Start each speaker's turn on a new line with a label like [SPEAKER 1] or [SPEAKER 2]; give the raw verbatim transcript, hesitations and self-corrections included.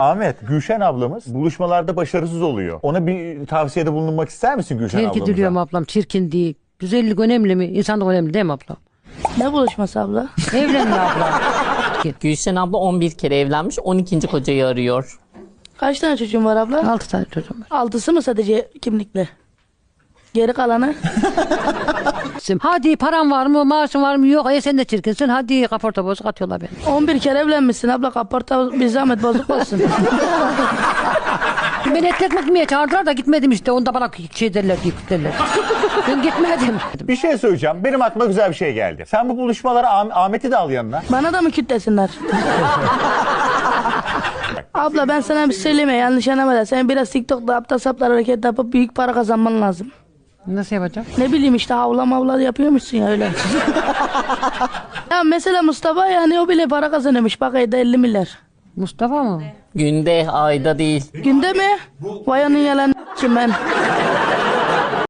[SPEAKER 1] Ahmet, Gülşen ablamız buluşmalarda başarısız oluyor. Ona bir tavsiyede bulunmak ister misin Gülşen
[SPEAKER 2] Terk
[SPEAKER 1] ablamıza?
[SPEAKER 2] ediliyorum ablam, çirkin değil. Güzellik önemli mi? İnsanlık önemli değil mi ablam?
[SPEAKER 3] Ne buluşması abla?
[SPEAKER 2] Evlenme ablam.
[SPEAKER 4] Gülşen abla on bir kere evlenmiş, on ikinci kocayı arıyor.
[SPEAKER 3] Kaç tane çocuğun var abla?
[SPEAKER 2] Altı tane çocuğum var.
[SPEAKER 3] Altısı mı sadece kimlikle? Geri kalanı?
[SPEAKER 2] Hadi param var mı, maaşın var mı? Yok, e sen de çirkinsin. Hadi kaporta bozuk atıyorlar beni.
[SPEAKER 3] on bir kere evlenmişsin abla, kaporta bir zahmet bozuk olsun.
[SPEAKER 2] Beni et ekmek yemeye çağırdılar da gitmedim işte. Onda bana şey derler, yıkık derler. Ben gitmedim.
[SPEAKER 1] Bir şey söyleyeceğim. Benim aklıma güzel bir şey geldi. Sen bu buluşmalara Ah- Ahmet'i de al yanına.
[SPEAKER 3] Bana da mı kütlesinler? Abla ben sana bir şey söyleyeyim mi? Yanlış anlama da. Sen biraz TikTok'ta aptal saplar hareket yapıp büyük para kazanman lazım.
[SPEAKER 2] Nasıl yapacağım?
[SPEAKER 3] Ne bileyim işte havla mavla yapıyormuşsun ya öyle. Ya mesela Mustafa yani o bile para kazanıyormuş. Bak ayda elli milyar.
[SPEAKER 2] Mustafa mı?
[SPEAKER 4] Günde, ayda değil.
[SPEAKER 3] Günde mi? Vay onun yalan kim ben.